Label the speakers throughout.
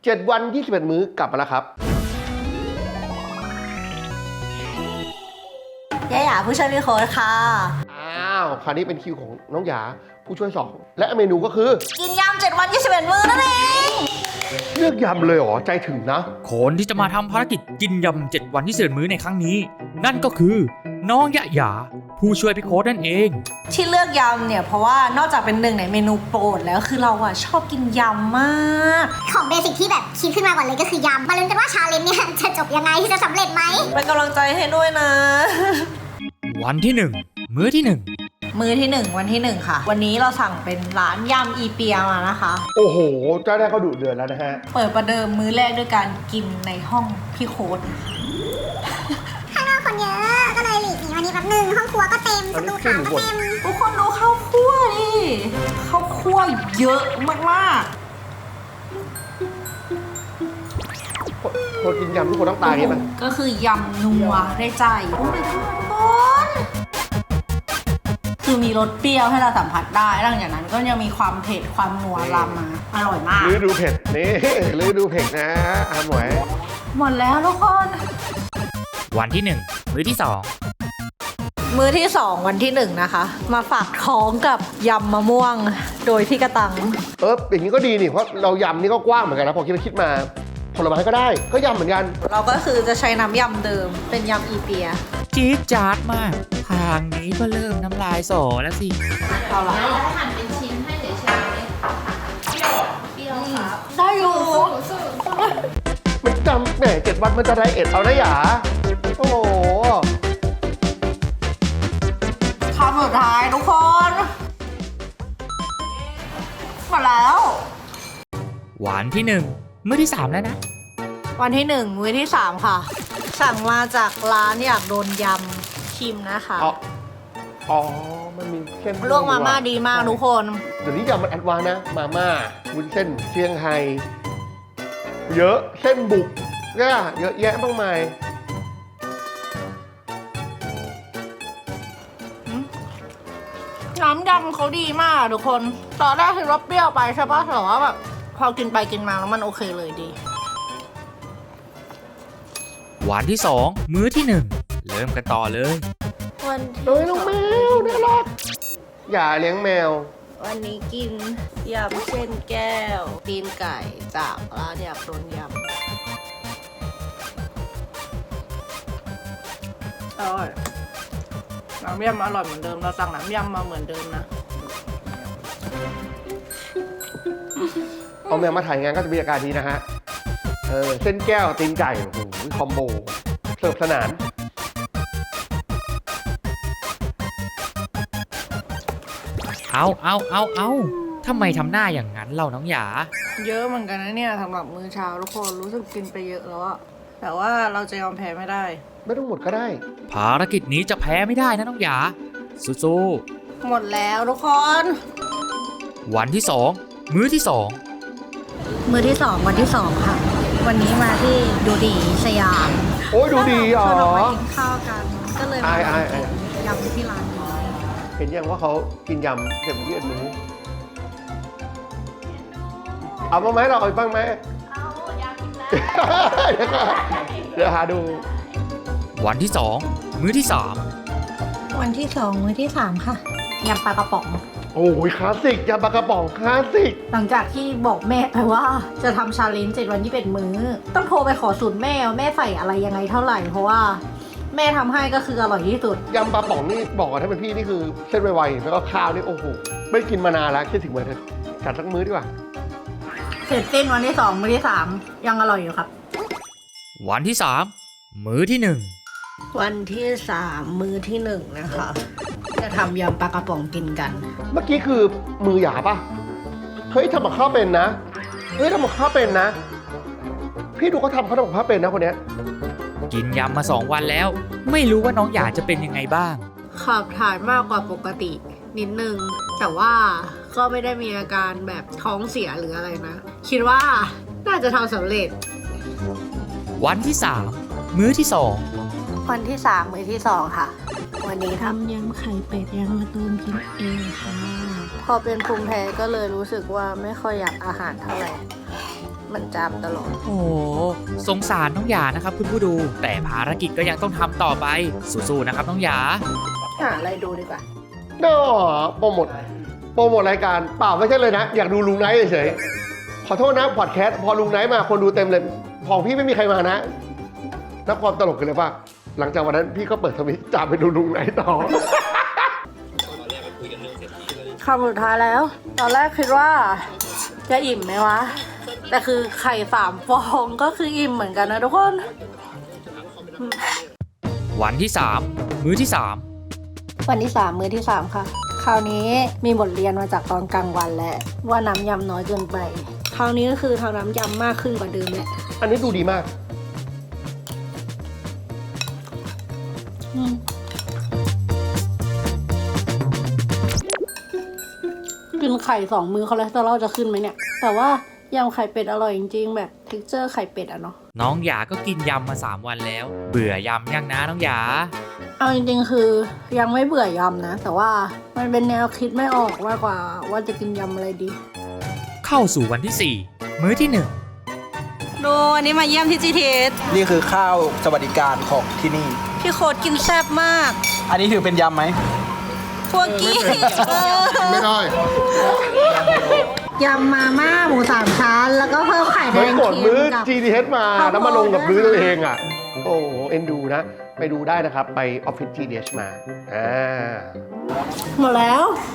Speaker 1: 7 วัน21 มื้อกลับมาแล้วครับ
Speaker 2: ยาหยาผู้ช่วยพี่โค้ดค่ะ
Speaker 1: อ้าวคราวนี้เป็นคิวของน้องหยาผู้ช่วย2และเมนูก็คือ
Speaker 2: กินยำ7 วัน21 มื้อนั่นเอง
Speaker 1: เลือกยำเลยเหรอใจถึงนะ
Speaker 3: คนที่จะมาทำภารกิจกินยำ7 วัน21 มื้อในครั้งนี้นั่นก็คือน้องยะหยาผู้ช่วยพี่โค้ดนั่นเอง
Speaker 2: ที่เลือกยำเนี่ยเพราะว่านอกจากเป็นหนึ่งในเมนูโปรดแล้วคือเราชอบกินยำมาก
Speaker 4: ของเบสิกที่แบบคิดขึ้นมาก่อนเลยก็คือยำมาลุ้นกันว่าชาเลนจ์เนี่ยจะจบยังไงจะสำเร็จไหม
Speaker 2: เป็นกำลังใจให้ด้วยนะ
Speaker 3: วันที่1มื้อที่1
Speaker 2: มื้อที่1วันที่1ค่ะวันนี้เราสั่งเป็นร้านยำอีเปียมานะคะ
Speaker 1: โอ้โหเจ้าแรกก็ดุเดือดแล้วนะฮะ
Speaker 2: เปิดประเดิมมื้อแรกด้วยการกินในห้องพี่โค้ด
Speaker 4: ข้างนอกคนเยอะก็เลยหลีกหนีวันนี้แป๊บนึงห้องครัวก็เต็มประตูขาก็เต็ม
Speaker 2: ทุกคนดูข้าวคั่วดิข้าวคั่วเยอะมาก
Speaker 1: คนกินยำทุกคนต้องตายใช่ไหม
Speaker 2: ก็คือยำนัวได้ใจโอ้ยทุกคนคือมีรสเปรี้ยวให้เราสัมผัสได้หลังจากนั้นก็ยังมีความเผ็ดความนัวรำมาอร่อยมาก
Speaker 1: ฤดูเผ็ดนี่ฤดูเผ็ดนะอาหมวย
Speaker 2: หมดแล้วทุกคน
Speaker 3: วันที่1มื้อที่2
Speaker 2: มื้อที่2วันที่1นะคะมาฝากท้องกับยำมะม่วงโดยพี่กระตัง
Speaker 1: อย่างนี้ก็ดีนี่เพราะเรายำนี่ก็กว้างเหมือนกันนะพอคิดมาผลไม้ก็ได้ก็ยำเหมือนกัน
Speaker 2: เราก็คือจะใช้น้ำยำเดิมเป็นยำอีเปีย
Speaker 3: จี๊ดจ๊าดมากทางนี้ก็เริ่มน้ำลายสอแล้วสิ
Speaker 2: เอาละ
Speaker 5: หั่นเป็นชิ้นให้เฉยๆเปรี้ยวครับ
Speaker 2: ได้อยู่
Speaker 1: มันจำแหม7 วันมันจะไดเอทเอานะหยาโอ้โห
Speaker 2: คำสุดท้ายทุกคนมาแล้ว
Speaker 3: วันที่1มื้อที่3แล้วนะ
Speaker 2: วันที่1มื้อที่3ค่ะสั่งมาจากร้านอยากโดนยำชิมนะคะ
Speaker 1: อ๋อมันมีเส้น
Speaker 2: ลวกมาม่าดีมากทุกคน
Speaker 1: เดี๋ยวนี้ยำมันแอดวานซ์นะมาม่าวุ้นเส้นเชียงไฮ้เยอะเส้นบุกเนี่ยเยอะแยะมากมาย
Speaker 2: น้ำยำเขาดีมากทุกคนตอนแรกคือรสเปรี้ยวไปใช่ปะแต่ว่าแบบพอกินไปกินมาแล้วมันโอเคเลยดี
Speaker 3: วันที่2มื้อที่1เริ่มกันต่อเลย
Speaker 2: วัน
Speaker 1: ที่น้องแมวน่ารักอย่าเลี้ยงแมว
Speaker 2: วันนี้กินยำเส้นแก้วตีนไก่จากร้านอยากโดนยำอร่อยน้ำยำอร่อยเหมือนเดิมเราสั่งน้ำยำมาเหมือนเดิมนะ
Speaker 1: เอาแมวมาถ่ายงานก็จะมีอาการนี้นะฮะเส้นแก้วตีนไก่โอ้โหคอมโบเสิร์ฟสนาน
Speaker 3: เอาทำไมทำหน้าอย่างนั้นเราน้องหยา
Speaker 2: เยอะเหมือนกันนะเนี่ยสำหรับมื้อเช้าทุกคนรู้สึกกินไปเยอะแล้วอะแต่ว่าเราจะยอมแพ้ไม่ได้
Speaker 1: ไม่ต้องหมดก็ได้
Speaker 3: ภารกิจนี้จะแพ้ไม่ได้นะน้องหยาสู้
Speaker 2: หมดแล้วทุกคน
Speaker 3: วันที่2มื้อที่2
Speaker 2: มื้อที่2วันที่2ค่ะวันนี้มาที่ดูดีสยาม
Speaker 1: โอ้ยดูดีอ๋อ
Speaker 2: เราไปกินข้าวกันก็เลยมายำที่ร้านนี้
Speaker 1: เห็นยังว่าเขากินยำ7 วัน21 มื้อเอาบ้างไหมเราเอาบ้างไหม
Speaker 5: เอาอยากกินแล้ว
Speaker 1: เดี๋ยวหาดู
Speaker 3: วันที่2มื้อที่3
Speaker 2: วันที่2มื้อที่3ค่ะยำปลากระป๋อง
Speaker 1: โอ้ยคลาสสิกยำปลากระป๋องคลาสสิก
Speaker 2: หลังจากที่บอกแม่ไปว่าจะทำชาเลนจ์7 วัน21 มื้อต้องโทรไปขอสูตรแม่ใส่อะไรยังไงเท่าไหร่เพราะว่าแม่ทำให้ก็คืออร่อยที่สุด
Speaker 1: ยำปลาป๋องนี่บอกว่าถ้าเป็นพี่นี่คือเส้นไวๆแล้วก็ข้าวนี่โอ้โหไม่กินมานานแล้วคิดถึงเหมือนจัดสักมื้อดีกว่า
Speaker 2: เสร็จสิ้นวันที่2มื้อที่3ยังอร่อยอยู่ครับ
Speaker 3: วันที่3มื้อที่1
Speaker 2: วันที่3มื้อที่1นะคะจะทำยำปลากระป๋องกินกัน
Speaker 1: เมื่อกี้คือมือหยาป่ะเฮ้ยทำกับข้าวเป็นนะทำกับข้าวเป็นนะพี่ดูเขาทำกับข้าวเป็นนะคนเนี้ย
Speaker 3: กินยำมา2 วันแล้วไม่รู้ว่าน้องหยาจะเป็นยังไงบ้าง
Speaker 2: ขับถ่ายมากกว่าปกตินิดนึงแต่ว่าก็ไม่ได้มีอาการแบบท้องเสียหรืออะไรนะคิดว่าน่าจะทำสำเร็จ
Speaker 3: วันที่3มื้อที่2
Speaker 2: วันที่3มื้อที่2ค่ะวันนี้ทำยำไข่เป็ดยำมะตูมกินเองค่ะพอเป็นภูมิแพ้ก็เลยรู้สึกว่าไม่ค่อยอยากอาหารเท่าไหร่มันจามตลอด
Speaker 3: โอ้โหสงสารน้องหยานะครับคุณผู้ดู แต่ภารกิจก็ยังต้องทำต่อไปสู้ๆนะครับน้องหยา
Speaker 2: หาอะไรดูดีกว่า
Speaker 1: ก็โปรโมทรายการเปล่าไม่ใช่เลยนะ อยากดูลุงไนท์เฉยๆขอโทษนะพอดแคสต์พอลุงไนท์มาคนดูเต็มเลยของพี่ไม่มีใครมานะนับความตลกกันเลยว่าหลังจากวันนั้นพี่ก็เปิดทวิตจ่าไปดูลุงไนท์ต่อ
Speaker 2: คำสุดท้ายแล้ว ตอนแรกคิดว่าจะอิ่มไหมวะ แต่คือไข่3 ฟองก็คืออิ่มเหมือนกันนะทุกคน
Speaker 3: วันที่ 3 มื้อที่ 3
Speaker 2: วันที่ 3 มื้อที่ 3 ค่ะ คราวนี้มีบทเรียนมาจากตอนกลางวันแล้วว่าน้ำยำน้อยเกินไป คราวนี้ก็คือทำน้ำยำมากขึ้นกว่าเดิมแหละ
Speaker 1: อันนี้ดูดีมาก
Speaker 2: กินไข่2 มื้อคอเลสเตอรอลจะขึ้นไหมเนี่ย แต่ว่ายำไข่เป็ดอร่อยจริงๆแบบเท็กเจอร์ไข่เป็ดอะเนาะ
Speaker 3: น้องหยาก็กินยำมา 3 วันแล้ว เบื่อยำยังนะน้องหยา
Speaker 2: เอาจริงๆคือยังไม่เบื่อยำนะ แต่ว่ามันเป็นแนวคิดไม่ออกมากกว่าว่าจะกินยำอะไรดี
Speaker 3: เข้าสู่วันที่ 4 มื้อที่
Speaker 2: ดูวันนี้มาเยี่ยมที่ GTS
Speaker 6: นี่คือข้าวสวัสดิการของที่นี่
Speaker 2: พี่โค้ดกินแซ่บมาก
Speaker 6: อันนี้ถือเป็นยำไหม
Speaker 2: พวกกี้
Speaker 1: ไม่ได้
Speaker 2: ยำมาม่าหมู3 ชั้น แล้วก็เพิ่มไข่แด
Speaker 1: เฮ้ย
Speaker 2: ง
Speaker 1: กด
Speaker 2: เค็
Speaker 1: มื้อ
Speaker 2: มกับ
Speaker 1: GTH มา
Speaker 2: ข้าวโพด
Speaker 1: แล้วมาลงกับมื้อตัวเองอ่ะ โอ้โหเอ็นดูนะ ไปดูได้นะครับ ไปออฟฟิศ GTH มา
Speaker 2: หมดแล้ว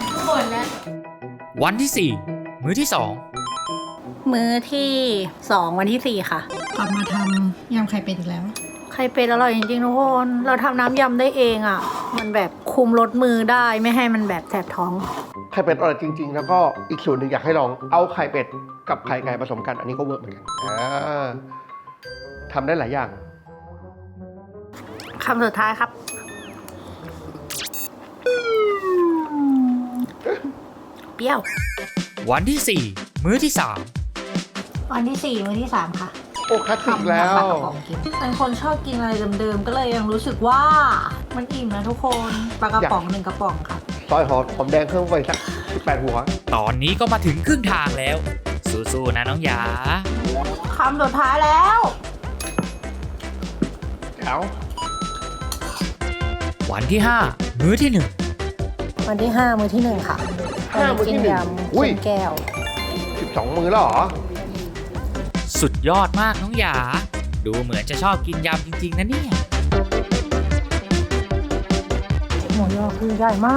Speaker 3: 1 วันที่ 4 มื้อที่
Speaker 2: มื้อที่ 2 วันที่ 4 ค่ะ กลับมาทำยำไข่เป็ดอีกแล้ว ไข่เป็ดอร่อยจริงๆทุกคน เราทำน้ำยำได้เองอ่ะ มันแบบคุมรสมือได้ไม่ให้มันแบบแสบท้อง
Speaker 1: ไข่เป็ดอร่อยจริง ๆ แล้วก็อีกส่วนหนึ่งอยากให้ลองเอาไข่เป็ดกับไข่ไก่ผสมกัน อันนี้ก็เวิร์กเหมือนกันทำได้หลายอย่าง
Speaker 2: คำสุดท้ายครับ เปรี้ยว
Speaker 3: 3 วันที่ 4 มื้อที่
Speaker 2: วันที่ 4 มื้อที่ 3 ค่ะ
Speaker 1: โอ้คลาสสิกแล้ว
Speaker 2: ปลากระป๋องกินเป็นคนชอบกินอะไรเดิมๆ ก็เลยยังรู้สึกว่ามันอิ่มนะทุกคน ปลากระป๋อง1 กระป๋องค่ะ
Speaker 1: ซอยหอมแดงเครื่องไฟสัก18 หัว
Speaker 3: 3 ตอนนี้ก็มาถึงครึ่งทางแล้ว สู้ๆนะน้องหยา
Speaker 2: คำสุดท้ายแล้ว
Speaker 1: แถว
Speaker 3: วันที่ 5 มื้อที่ 1
Speaker 2: วันที่ 5 มื้อที่ 1 ค่ะ
Speaker 1: 5 มื้อที่
Speaker 2: กิน
Speaker 1: 1
Speaker 2: ยำ
Speaker 1: อุ้ย
Speaker 2: เส้นแก้ว
Speaker 1: 12 มื้อแล้วเหรอ
Speaker 3: สุดยอดมากน้องหยา ดูเหมือนจะชอบกินยำจริงๆนะเนี่ย
Speaker 2: หมูยอคือใหญ่มาก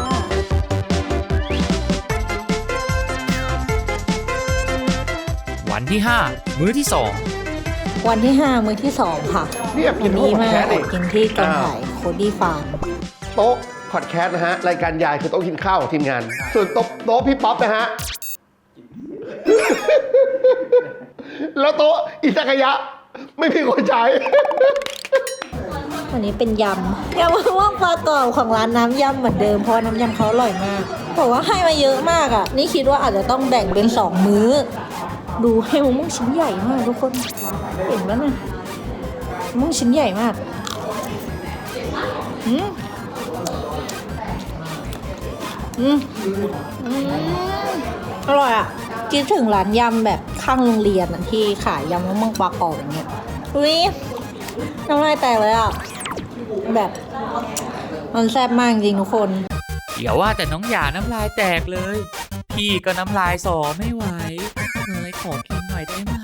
Speaker 3: วันที่ 5 มื้อที่ 2
Speaker 2: วันที่ 5 มื้อที่ 2 ค่ะ
Speaker 1: นี่แอบกิน
Speaker 2: วัน
Speaker 1: โต๊ะ
Speaker 2: นี้
Speaker 1: พอด
Speaker 2: มา
Speaker 1: แคสต์
Speaker 2: แอ
Speaker 1: เอง
Speaker 2: บกินที่กองถ่ายโคดี้ฟาร์ม
Speaker 1: โต๊ะพอดแคสต์นะฮะ รายการยายคือโต๊ะกินข้าวของทีมงาน ส่วนโต๊ะพี่ป๊อปนะฮะ แล้วโต๊ะอิซากายะ ไม่มีคนใช้
Speaker 2: วันนี้เป็นยำมะม่วงปลากรอบของร้านน้ำยำเหมือนเดิมเพราะน้ำยำเขาอร่อยมากบอกว่าให้มาเยอะมากอ่ะ นี่คิดว่าอาจจะต้องแบ่งเป็น2 มื้อ ดูให้มะม่วงชิ้นใหญ่มากทุกคนเห็นแล้วนะมะม่วงชิ้นใหญ่มากอืมอร่อยอ่ะคิดถึงร้านยำแบบข้างโรงเรียนอะที่ขายยำมะม่วงปลากรอบอย่างเงี้ยอุ้ยน้ำลายแตกเลยอ่ะแบบมันแซ่บมากจริงทุกคน
Speaker 3: อย่าว่าแต่น้องหยาน้ำลายแตกเลย พี่ก็น้ำลายสอไม่ไหวเลยขอกินหน่อยได้ไหม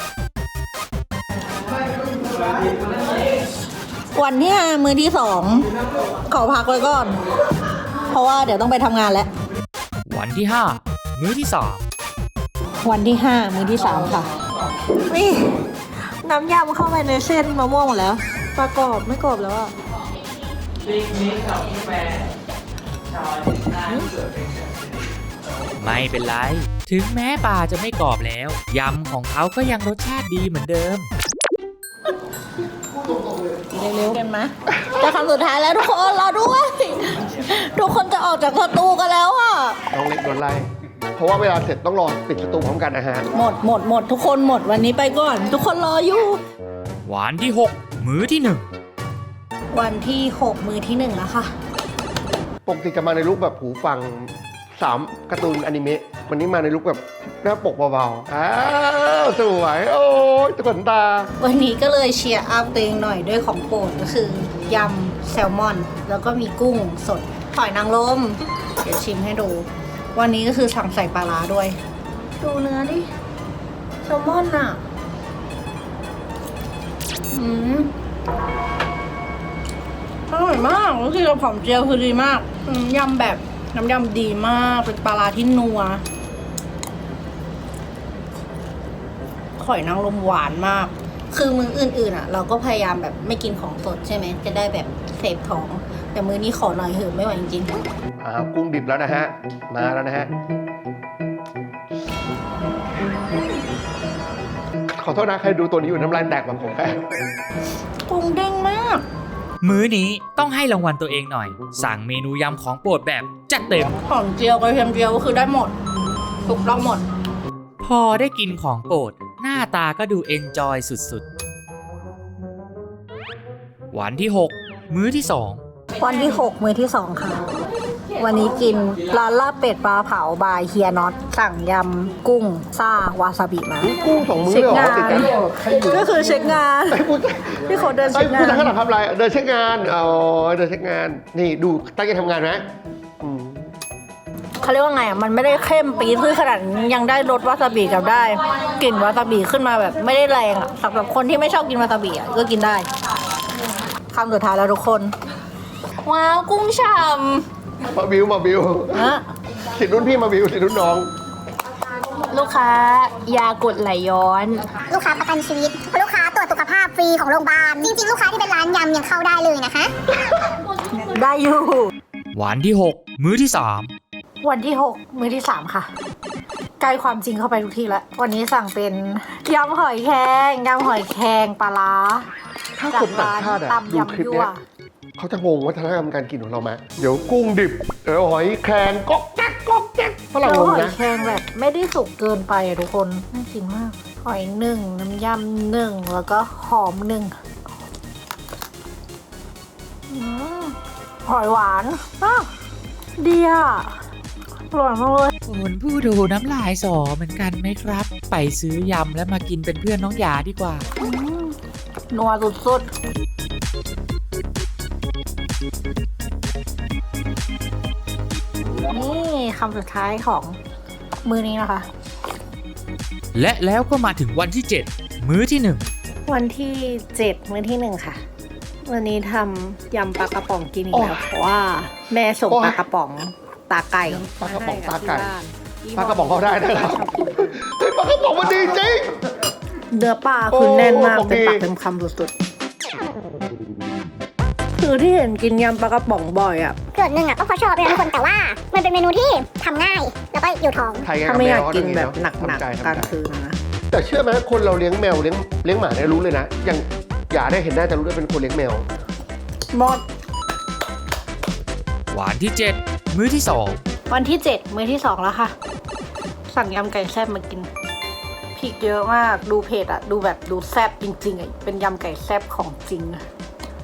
Speaker 2: วันที่ 5 มื้อที่ 2 ขอพักไว้ก่อน เพราะว่าเดี๋ยวต้องไปทำงานแล้ว
Speaker 3: วันที่ 5 มื้อที่
Speaker 2: วันที่ 5 มื้อที่ 3 ค่ะนี่น้ำยำเข้าไปในเส้นมะม่วงหมดแล้วปลากรอบไม่กรอบแล้วอ่ะ
Speaker 3: 3 ไม่เป็นไร ถึงแม้ปลาจะไม่กรอบแล้ว ยำของเขาก็ยังรสชาติดีเหมือนเดิม
Speaker 2: เร็วๆกันไหมจะคำสุดท้ายแล้วทุกคนรอด้วย ทุกคนจะออกจากสตูกันแล้วอ่ะ
Speaker 1: น้องเล็กโดนไล่ เพราะว่าเวลาเสร็จต้องรอปิดประตูพร้อมกันนะฮะ
Speaker 2: หมดทุกคนหมดวันนี้ไปก่อน ทุกคนรออยู่
Speaker 3: วันที่ 6 มื้อที่ 1
Speaker 2: วันที่ 6 มื้อที่ 1 แล้วค่ะ
Speaker 1: ปกติจะมาในรูปแบบหูฟัง 3การ์ตูนอนิเมะวันนี้มาในลุคแบบหน้าปกเบาๆอ้าวสวยโอ้ยขนตา
Speaker 2: วันนี้ก็เลยเชียร์อัพตัวเองหน่อยด้วยของโปรดก็คือยำแซลมอน แล้วก็มีกุ้งสดหอยนางรมเดี๋ยวชิมให้ดู วันนี้ก็คือสั่งใส่ปลาร้าด้วย ดูเนื้อดิแซลมอนอ่ะอร่อยมากรู้สึกกับหอมเจียวคือดีมากยำแบบน้ำยำดีมากเป็นปลาร้าที่นัวหอยนางรมหวานมาก คือมื้ออื่นๆอ่ะ เราก็พยายามแบบไม่กินของสดใช่ไหมจะได้แบบเสพท้อง แต่มื้อนี้ขอหน่อยเถอะไม่ไหวจริง
Speaker 1: กุ้งดิบแล้วนะฮะมาแล้วนะฮะขอโทษนะใครดูตัวนี้อยู่น้ำลายแตกแบบผมแค่
Speaker 2: ๆกุ้งเด้งมาก
Speaker 3: มื้อนี้ต้องให้รางวัลตัวเองหน่อย สั่งเมนูยำของโปรดแบบจัดเต็ม
Speaker 2: หอมเจียวกระเทียมเจียวก็คือได้หมดถูกต้องหมด
Speaker 3: พอได้กินของโปรดหน้าตาก็ดูเอนจอยสุดๆ วันที่ 6 มื้อที่ 2
Speaker 2: วันที่ 6 มื้อที่ 2 ค่ะ วันนี้กินร้านลาบเป็ดปลาเผาบายเฮียน็อตสั่งยำกุ้งซ่าวาซาบิมา
Speaker 1: กุ้ง2 มื้อเลยเหรอติดกันใครอยู่
Speaker 2: ก็คือเช็คงาน พี่เขาเดินเช็คงาน
Speaker 1: ผู้ชายข้างหลังทำอะไรเดินเช็คงานอ๋อเดินเช็คงานนี่ดูตั้งใจทำงานไหม
Speaker 2: เขาเรียกว่าไงอ่ะ มันไม่ได้เข้มปี๊ดขึ้นขนาดนั้นยังได้รสวาซาบิกับได้กลิ่นวาซาบิขึ้นมาแบบไม่ได้แรงอ่ะสำหรับคนที่ไม่ชอบกินวาซาบิอ่ะก็กินได้คำสุดท้ายแล้วทุกคน ว้าวกุ้งฉ่ำ
Speaker 1: มาบิว
Speaker 2: ฮะ
Speaker 1: สิทธิ์รุ่นพี่มาบิวสิทธิ์รุ่นน้อง
Speaker 2: ลูกค้ายากดไหลย้อน
Speaker 4: ลูกค้าประกันชีวิตลูกค้าตรวจสุขภาพฟรีของโรงพยาบาลจริงๆลูกค้าที่เป็นร้านยำยังเข้าได้เลยนะคะ
Speaker 2: ได้อยู่
Speaker 3: วันที่ 6 มื้อที่ 3
Speaker 2: วันที่ 6 มื้อที่ 3 ค่ะใกล้ความจริงเข้าไปทุกทีแล้ววันนี้สั่งเป็นยำหอยแครงปลาร้า
Speaker 1: ถ้าคนต่างชาติอะ
Speaker 2: ตำ
Speaker 1: ดูคลิปเนี้ย
Speaker 2: ยำยั่ว
Speaker 1: เขาจะงงวัฒนธรรมการกินของเราไหมเดี๋ยวกุ้งดิบเดี๋ยวหอยแครงก๊อกแก๊กฝรั่ง
Speaker 2: แล้ว
Speaker 1: งง
Speaker 2: หอย
Speaker 1: นะ
Speaker 2: แครงแบบไม่ได้สุกเกินไปอะทุกคนน่ากินมาก หอยหนึ่งน้ำยำหนึ่งแล้วก็หอมหนึ่งหอยหวานดีอ่ะอร่อยมากเลย
Speaker 3: คุณผู้ดูน้ำลายสอเหมือนกันไหมครับ ไปซื้อยำแล้วมากินเป็นเพื่อนน้องหยาดีกว่า
Speaker 2: นัวสุดๆนี่คำสุดท้ายของมื้อนี้นะคะ
Speaker 3: และแล้วก็มาถึงวันที่ 7 มื้อที่
Speaker 2: วันที่ 7 มื้อที่ 1 ค่ะ วันนี้ทำยำปลากระป๋องกินอีกแล้วเพราะว่าแม่ส่งปลากระป๋องตาไก่
Speaker 1: ปลากระป๋องตาไก่
Speaker 2: ที่
Speaker 1: ปลา
Speaker 2: บ้น
Speaker 1: กระป๋องเขาได้นะครับเฮ้ยปลากระป๋องมันดีจริง
Speaker 2: เนื้อปลาคือแน่นมาก
Speaker 1: โอ้
Speaker 2: เต็มปาก
Speaker 1: ดี
Speaker 2: เต็มคำสุดๆคือที่เห็นกินยำปลากระป๋องบ่อยอ่ะ
Speaker 4: เกิดหนึ่งอ่ะก็เพราะชอบเลยนะทุกคนแต่ว่ามันเป็นเมนูที่ทำง่ายแล้วก็อยู่ท้อง
Speaker 1: ไทยไง
Speaker 2: ถ้าไม่อยาก
Speaker 1: แมว
Speaker 2: กิน
Speaker 1: เข
Speaker 2: แบบ
Speaker 1: ทำ
Speaker 2: หนัก
Speaker 1: ใจ
Speaker 2: ๆ
Speaker 1: ทำ
Speaker 2: กลาง
Speaker 1: ใจ
Speaker 2: คืนนะ
Speaker 1: แต่เชื่อไหมคนเราเลี้ยงแมวเลี้ยงหมาเนี่ยรู้เลยนะอย่างอย่าได้เห็นได้จะรู้ได้เป็นคนเลี้ยงแมว
Speaker 2: หมด
Speaker 3: 1 วันที่ 7 มื้อที่
Speaker 2: วันที่ 7 มื้อที่ 2 แล้วค่ะ สั่งยำไก่แซ่บมากินพริกเยอะมากดูเผ็ดอ่ะ ดูแบบดูแซ่บจริงๆอ่ะเป็นยำไก่แซ่บของจริงอะ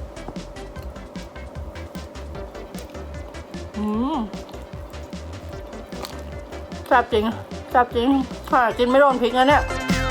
Speaker 2: แซ่บจริงแซ่บจริงค่ะกินไม่โดนพริกนะเนี่ย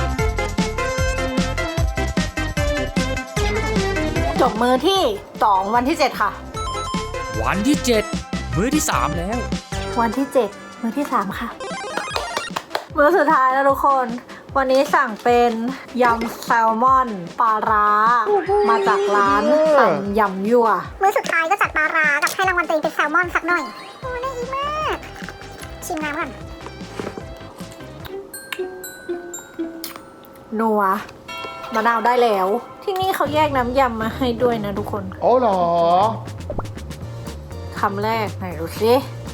Speaker 2: จบมื้อที่ 2 วันที่ 7 ค่ะ
Speaker 3: 2 วันที่ 7 มื้อที่ 3 แล้ว
Speaker 2: วันที่ 7 มื้อที่ 3 ค่ะ มื้อสุดท้ายแล้วทุกคน วันนี้สั่งเป็นยำแซลมอนปลาร้า มาจากร้านตำยำยั่ว
Speaker 4: มื้อสุดท้ายก็จัดปลาร้ากับให้รางวัลตัวเองเป็นแซลมอนสักหน่อยโอ้น่าอีมากชิมน้ำก่อน
Speaker 2: นัวมะนาวได้แล้ว ที่นี่เขาแยกน้ำยำมาให้ด้วยนะทุกคน
Speaker 1: อ๋อเหรอ
Speaker 2: คำแรกไหนดูสิ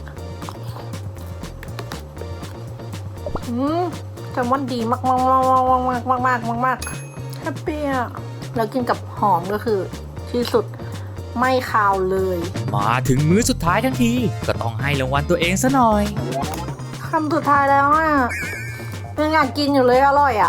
Speaker 2: แซลมอนดีมากมากมากมากมากมากมากแฮปปี้อ่ะแล้วกินกับหอมก็คือที่สุดไม่คาวเลย
Speaker 3: มาถึงมื้อสุดท้ายทั้งที ก็ต้องให้รางวัลตัวเองซะหน่อย
Speaker 2: คำสุดท้ายแล้วอ่ะยังอยากกินอยู่เลยอร่อยอ่ะ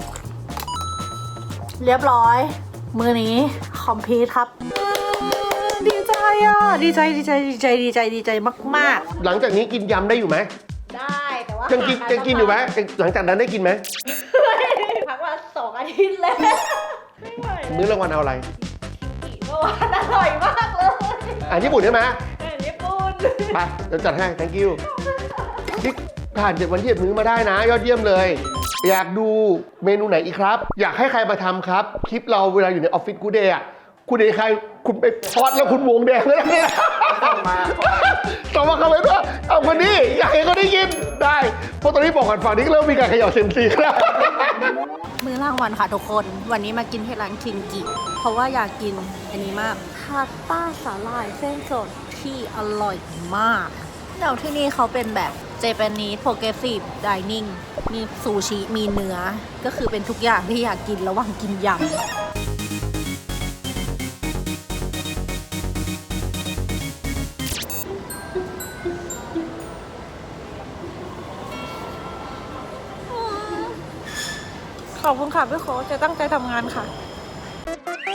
Speaker 2: เรียบร้อย มื้อนี้คอมพลีทครับดีใจอ่ะดีใจมาก
Speaker 1: หลังจากนี้กินยำได้อยู่ไหม
Speaker 2: ๆได้แต่ว่า
Speaker 1: ยังกินอยู่ไหมหลังจากนั้นได้กินไหม
Speaker 2: พักมา2 อาทิตย์แล้ว
Speaker 1: มื้อรางวัลเอาอะไร
Speaker 2: เมื่อวานอร่อยมากเลย
Speaker 1: อาหารญี่ปุ่นใช่ไหม
Speaker 2: ญี่ปุ่น
Speaker 1: ไปเดี๋ยวจัดให้ thank you นี่ผ่าน7 วันที่7 มื้อมาได้นะ ยอดเยี่ยมเลย อยากดูเมนูไหนอีกครับ อยากให้ใครมาทำครับ คลิปเราเวลาอยู่ในออฟฟิศกูเดย์อ่ะคุณเดย์ใครคุณไปพอดแล้วคุณวงแดงเลยนะเนี่ยส่งมาคอมเมนต์ว่าเอาคนนี้อยากให้เขาได้ยินได้เพราะตอนนี้บอกก่อนฝั่งนี้ก็เริ่มมีการเขย่าเซยมซีแล้ว
Speaker 2: มื้อรางวัลค่ะทุกคน วันนี้มากินที่ร้านคินกิ เพราะว่าอยากกินอันนี้มากพาสต้าสาหร่ายเส้นสดที่อร่อยมากแล้วที่นี่เขาเป็นแบบ Japanese Progressive Dining มีซูชิ มีเนื้อ ก็คือเป็นทุกอย่างที่อยากกินระหว่างกินยำ ขอบคุณค่ะพี่โค้ชจะตั้งใจทำงานค่ะ